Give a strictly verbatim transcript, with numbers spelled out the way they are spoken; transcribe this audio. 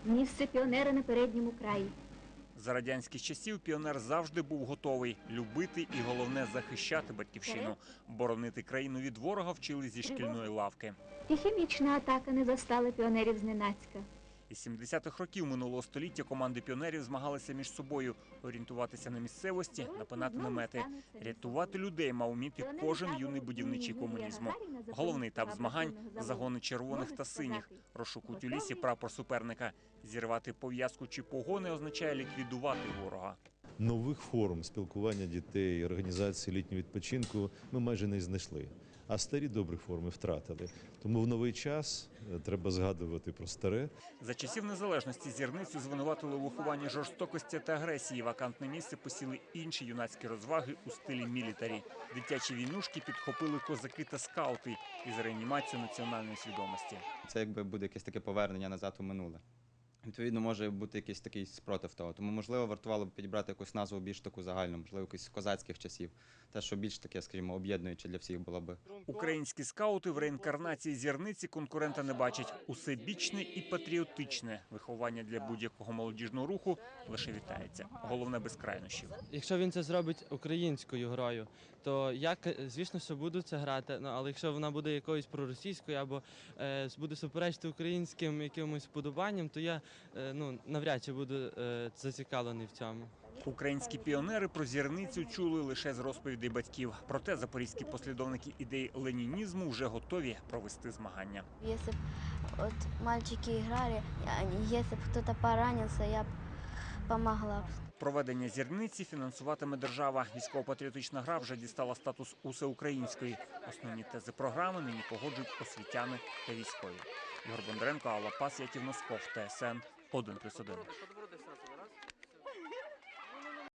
Місце піонера на передньому краї. За радянських часів піонер завжди був готовий любити і, головне, захищати батьківщину. Боронити країну від ворога вчили зі шкільної лавки. І хімічна атака не застала піонерів зненацька. Із сімдесятих років минулого століття команди піонерів змагалися між собою, орієнтуватися на місцевості, напинати намети. Рятувати людей мав вміти кожен юний будівничий комунізму. Головний етап змагань – загони червоних та синіх. Розшукують у лісі прапор суперника. Зірвати пов'язку чи погони означає ліквідувати ворога. Нових форм спілкування дітей, організації літнього відпочинку ми майже не знайшли. А старі добрі форми втратили. Тому в новий час треба згадувати про старе. За часів незалежності Зірницю звинуватили у вихованні жорстокості та агресії. Вакантне місце посіли інші юнацькі розваги у стилі мілітарі. Дитячі війнушки підхопили козаки та скаути із реанімацією національної свідомості. Це якби буде якесь таке повернення назад у минуле. Відповідно, може бути якийсь такий спротив того. Тому, можливо, вартувало б підібрати якусь назву більш таку загальну, можливо, якусь козацьких часів. Те, що більш таке, скажімо, об'єднуюче для всіх було би. Українські скаути в реінкарнації Зірниці конкурента не бачать. Усебічне і патріотичне виховання для будь-якого молодіжного руху лише вітається. Головне – без крайнощів. Якщо він це зробить українською грою, то я, звісно, що буду це грати, але якщо вона буде якоюсь проросійською або е, буде суперечити українським якимось вподобанням, то я ну, навряд чи буду е, зацікавлений в цьому. Українські піонери про Зірницю чули лише з розповідей батьків. Проте запорізькі послідовники ідей ленінізму вже готові провести змагання. Якщо б от мальчики грали, якщо б хтось поранився, я б допомогла. Проведення Зірниці фінансуватиме держава. Військово-патріотична гра вже дістала статус усеукраїнської. Основні тези програми нині погоджують освітяни та військові. Ігор Бондаренко, Алла Пас, Яків Носков, Т С Н один плюс один.